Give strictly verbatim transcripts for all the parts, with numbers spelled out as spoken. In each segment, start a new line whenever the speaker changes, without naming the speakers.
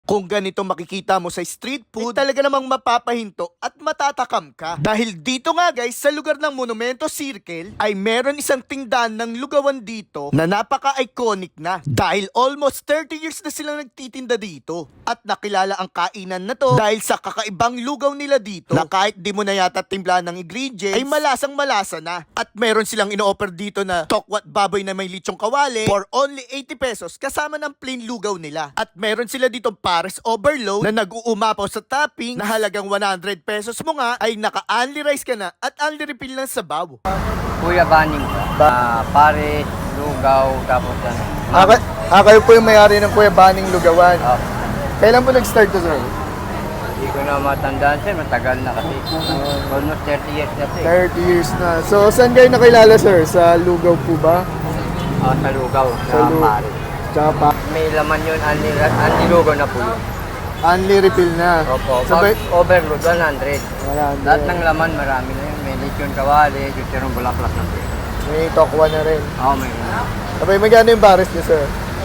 Kung ganito makikita mo sa street food, ay talaga namang mapapahinto at matatakam ka. Dahil dito nga guys, sa lugar ng Monumento Circle, ay meron isang tindahan ng lugawan dito na napaka-iconic na. Dahil almost thirty years na silang nagtitinda dito. At nakilala ang kainan na to dahil sa kakaibang lugaw nila dito na kahit di mo na yata timplahan ng ingredients, ay malasang malasa na. At meron silang ino-offer dito na tokwat baboy na may litsong kawali for only eighty pesos kasama ng plain lugaw nila. At meron sila ditong Paris Overload na nag-uumapaw sa topping na halagang one hundred pesos mo nga ay naka-only rice ka na at only refill ng sabaw.
Kuya Baning, uh, Paris, lugaw, tapos ano.
Ah, kay- ah, kayo po yung may-ari ng Kuya Baning Lugawan.
Ah,
Kailan po nag-start to, sir?
Hindi ko na matandaan sir, matagal na kasi. Almost thirty years na sir.
thirty years na. So, saan kayo nakilala, sir? Sa Lugaw po ba?
Ah, sa lugaw,
Sa
sa
lu-
Paris.
Tsaka pa,
May laman yun, anli, anli lugaw na po yun.
only refill na.
Opo,
Sabay,
pag overload, one hundred.
wala.
Lahat ng laman, marami na yun. May lechon kawali, chichirong bulaklak na po yun.
May tokwa na rin.
Oo, may
Sabay, magkano yung Paris niyo, sir?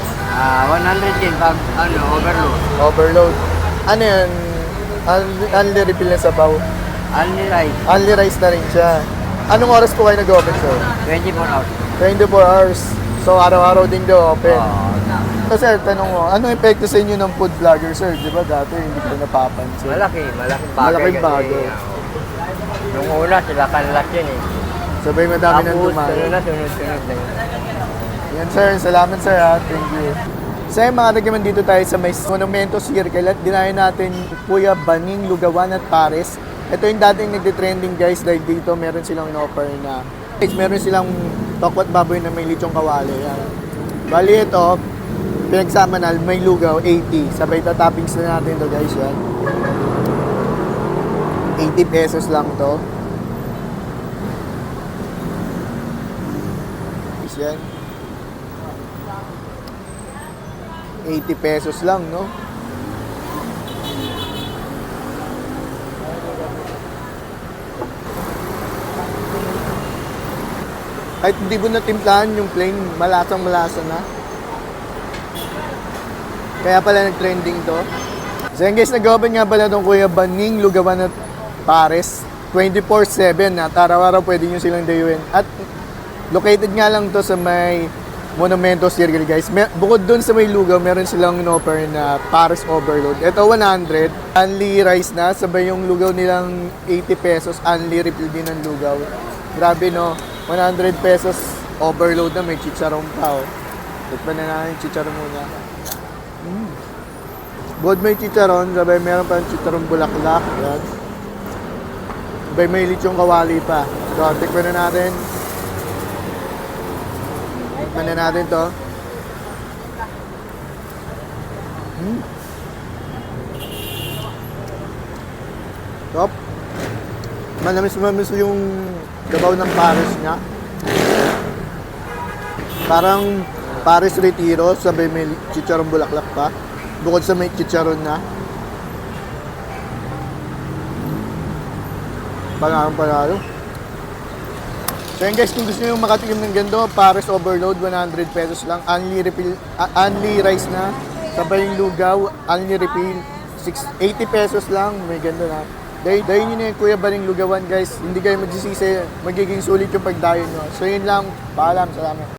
Ah, one hundred din pag ano, overload.
Overload. Ano yan? Only, only refill na sabaw.
Anli rice,
Only rice na rin siya. Anong oras po kayo nag-open, sir?
twenty-four hours.
twenty-four hours. So, araw-araw din daw open.
Oo.
So, sir, tanong mo, anong epekto sa inyo ng food vlogger, sir? Di ba dati hindi ko napapansin?
Malaki, malaking bagay.
Malaking
kasi,
bagay.
ah, nung una, sila kanlat yun eh.
Sabay madami nang
Tapos,
dumayo.
sunod na, sunod-sunod na yun.
Yan, sir. Salamat, sir, ha. Thank you. Sir, mga nagkaman dito tayo sa may Monumento Circle at dinayo natin Kuya Baning Lugawan at Pares. Ito yung dating nagtitrending, guys, dahil dito meron silang in-offer na guys, meron silang tokwat baboy na may litsong kawali. Yan. Bali ito, pinagsama na may lugaw, eighty. Sabay toppings na natin to, guys, yan. eighty pesos lang to. Guys, yan. eighty pesos lang, no? Kahit hindi mo natimplahan yung plain, malasang malasa na. Kaya pala nag-trending to. So yun guys, nag-open nga pala itong Kuya Baning Lugawan at Pares. twenty-four seven at araw-araw pwede nyo silang dayuin. At located nga lang to sa may Monumento Circle, guys. Mer- bukod dun sa may lugaw, meron silang in-offer na Paris Overload. Ito one hundred. Only rice na. Sabay yung lugaw nilang eighty pesos. Only refill din ng lugaw. Grabe, no? one hundred pesos overload na. May chicharon pa, oh. Tikman na natin yung chicharon muna. Mm. Bukod may chicharon, sabay meron pa yung chicharon bulaklak. Yan. Sabay may litsong kawali pa. So, tikman na natin. Tikman na natin to. Hmm. Top. Manamis-mamis yung gabaw ng Paris niya. Parang Paris Retiro, sabay may chicharon bulaklak pa. Bukod sa may chicharon na. Pangarang panalo. So yun guys, kung gusto nyo makatikim ng ganito, Paris Overload, one hundred pesos lang. Only refill, uh, only rice na. Sabay yung lugaw, only refill, eighty pesos lang. May ganito na. Dahil, dahil nyo na yung Kuya Baning Lugawan, guys. Hindi kayo magsisisi, magiging sulit yung pagdayo nyo. So yun lang, paalam, salamat.